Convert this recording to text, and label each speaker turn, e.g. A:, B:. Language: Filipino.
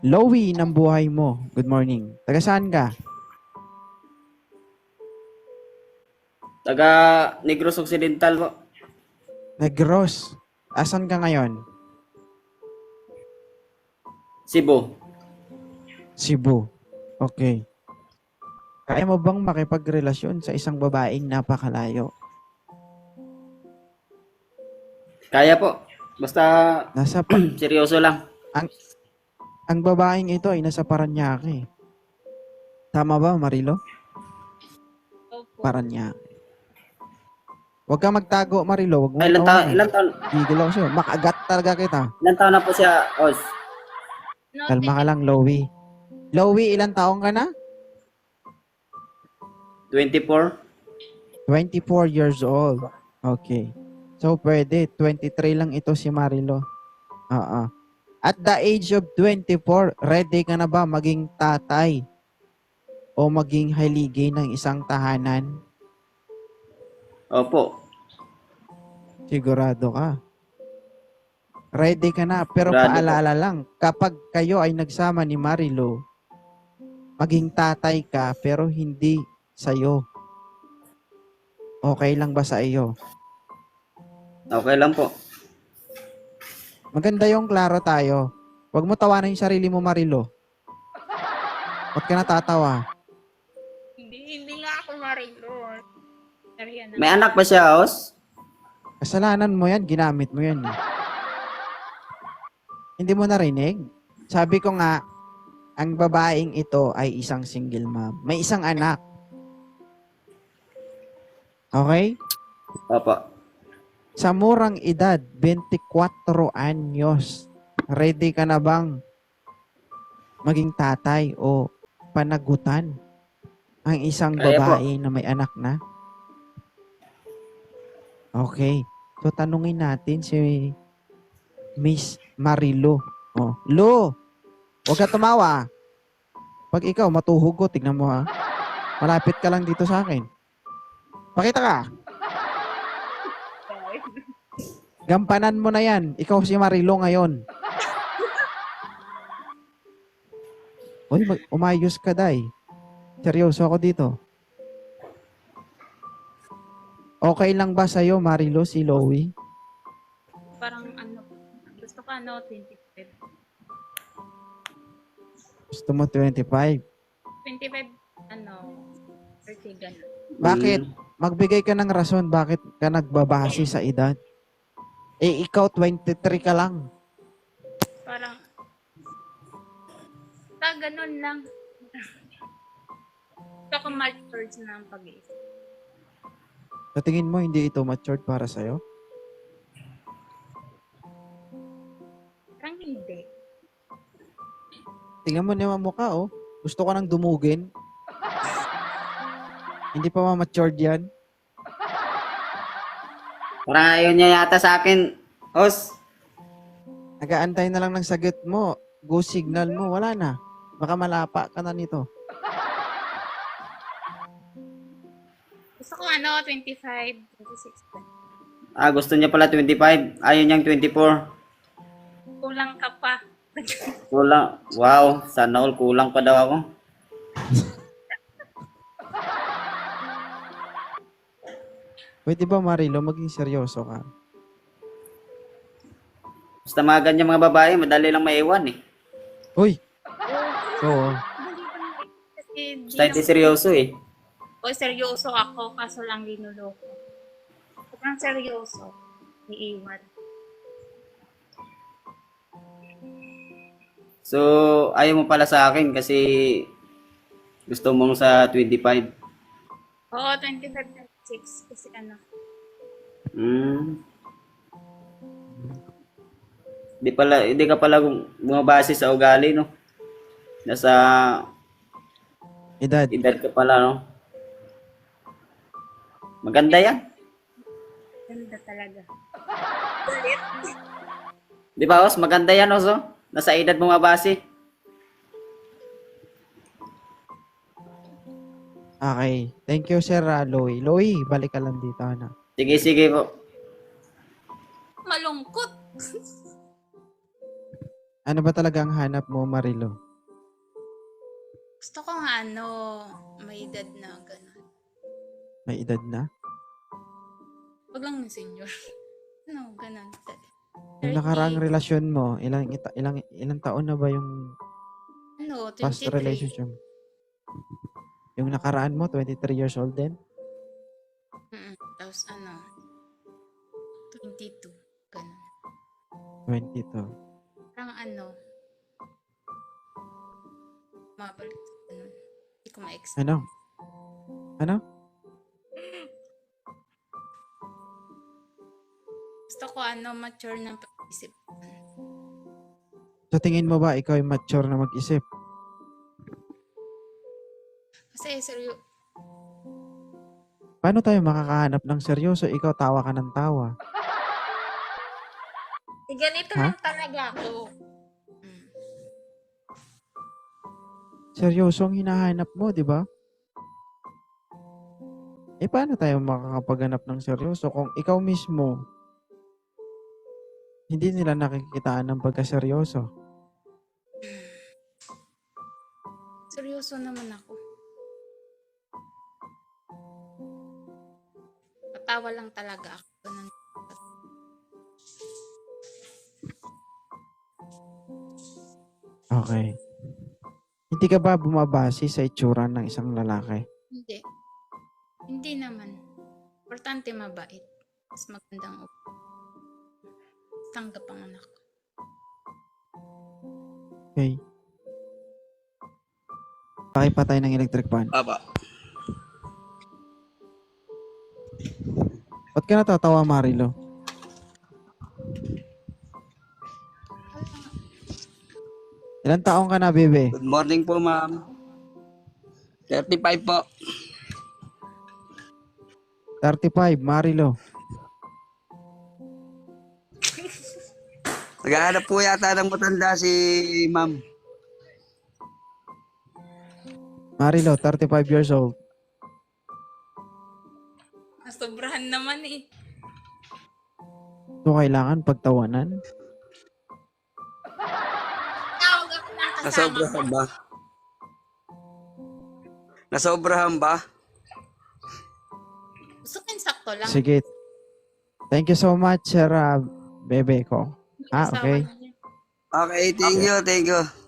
A: Lowy ng buhay mo. Good morning. Taga saan ka?
B: Taga Negros Occidental po.
A: Negros. Asan ka ngayon?
B: Cebu.
A: Cebu. Okay. Kaya mo bang makipagrelasyon sa isang babaeng napakalayo?
B: Kaya po. Basta
A: Nasa pa-
B: seryoso lang.
A: ang ang babaeng ito ay nasa Paranaque. Tama ba, Marilo?
C: Opo.
A: Paranaque. Huwag kang magtago, Marilo. Huwag mo
B: Ay,
A: itawanan.
B: ilan taon,
A: Gigil ako sa'yo. Makagat talaga kita.
B: ilan taon na po siya, Os?
A: Kalma ka lang, Lowy. Lowy, ilang taong ka na?
B: 24?
A: 24 years old. Okay. So, pwede. 23 lang ito si Marilo. Oo. At the age of 24, ready ka na ba maging tatay o maging haligi ng isang tahanan?
B: Opo.
A: Sigurado ka. Ready ka na. Pero
B: Grado po.
A: paalala lang, kapag kayo ay nagsama ni Marilo, maging tatay ka pero hindi sa'yo. Okay lang ba sa iyo?
B: Okay lang po.
A: Maganda yung klaro tayo. Huwag mo tawanan yung sarili mo, Marilo. Ba't ka natatawa?
C: Hindi nga ako marilor. Serya na.
B: May anak ba siya, Os?
A: Kasalanan mo yan, ginamit mo yan. Eh. Hindi mo narinig? Sabi ko nga, ang babaeng ito ay isang single mom. May isang anak. Okay?
B: Opo.
A: Sa murang edad, 24 anyos, ready ka na bang maging tatay o panagutan ang isang
B: Kaya po.
A: babae na may anak na? Okay. So, tanungin natin si Miss Marilo. Oh, Lo, huwag ka tumawa. Pag ikaw matuhog ko, tignan mo ha. Malapit ka lang dito sa akin. Pakita ka. Gampanan mo na yan. Ikaw si Marilo ngayon. Uy, umayos ka, day. Seryoso ako dito. Okay lang ba sa'yo, Marilo, si Lowy?
C: Parang gusto ko 25.
A: Gusto mo 25?
C: 25, 30 ganun.
A: Bakit? Magbigay ka ng rason bakit ka nagbabase sa edad. Eh, ikaw 23 ka lang.
C: Parang, ganun lang. Gusto ko matured na ang pag-iisip.
A: Sa tingin mo, hindi ito matured para sa'yo?
C: Parang hindi.
A: Tingnan mo naman mukha, oh. Gusto ko nang dumugin. Hindi pa ma-matured yan.
B: Parang ayaw niya yata sa akin, Os.
A: Nagaantay na lang ng sagot mo. Go signal mo. Wala na. Baka malapa ka na nito.
C: Gusto ko 25, 26.
B: Gusto niya pala 25. Ayaw niyang 24.
C: Kulang ka pa.
B: Kulang. Wow, sana all kulang pa daw ako.
A: Pwede ba, Marilo, maging seryoso ka?
B: Basta mga ganyan mga babae, madali lang maiwan eh.
A: Uy! Oo.
C: Dali lang kasi
B: Basta hindi seryoso eh.
C: seryoso ako, kaso lang linuloko. Sobrang seryoso. Iiwan.
B: So, ayaw mo pala sa akin kasi gusto mong sa 25.
C: Oo, 25, 26. Kasi
B: Hmm. Hindi ka pala bumabase sa ugali, no? Nasa
A: Edad.
B: edad ka pala, no? Maganda yan.
C: ganda talaga.
B: Di ba, Os? Maganda yan, Os, oh? Nasa edad bumabase.
A: Okay. Thank you, Sir Loy. Loy, balik ka lang dito, na.
B: Sige, sige po.
C: Malungkot.
A: Ano ba talaga ang hanap mo, Marilo?
C: Gusto ko nga ano, may edad na gano'n.
A: May edad na?
C: Wag lang yung senior. Ano, gano'n.
A: Yung
C: 30,
A: nakaraang relasyon mo, ilang taon na ba yung
C: ano,
A: past
C: 23.
A: relationship? Yung nakaraan mo, 23 years old din?
C: Tapos ano, 22. Gano'n.
A: 22.
C: Parang ano, mabalik. Gano'n. Hindi ko ma-expect.
A: Ano? Ano?
C: Gusto ko ano, mature ng pag-isip.
A: So tingin mo ba ikaw ay mature na mag-isip?
C: Kasi seryo,
A: Paano tayo makakahanap ng seryoso? Ikaw tawa ka ng tawa.
C: ganito
A: Ha?
C: lang talaga ako.
A: Seryoso ang hinahanap mo, di ba? Paano tayo makakapaghanap ng seryoso kung ikaw mismo hindi nila nakikitaan ng pagkaseryoso?
C: Seryoso naman ako. Patawa lang talaga ako. Ganun.
A: Okay. Hindi ka ba bumabase sa itsura ng isang lalaki?
C: Hindi. Hindi naman. Importante mabait. Mas magandang tanggap ang anak ko.
A: Okay. Pakipatay ng electric fan.
B: Aba.
A: Ba't ka natatawa, Marilo? Ilan taong ka na, bebe?
B: Good morning po, ma'am. 35 po.
A: 35, Marilo.
B: Naghahanap po yata ng matanda si ma'am.
A: Marilo, 35 years old.
C: Nasobrahan naman eh.
A: So, kailangan pagtawanan?
C: Tawag ako ng kasama ko.
B: Nasobrahan ba? Nasobrahan ba?
C: Gusto ko yung sakto lang.
A: Sige. Thank you so much, sir, bebe ko.
C: Asawa
A: Okay.
C: niya.
B: Okay, thank you, thank you.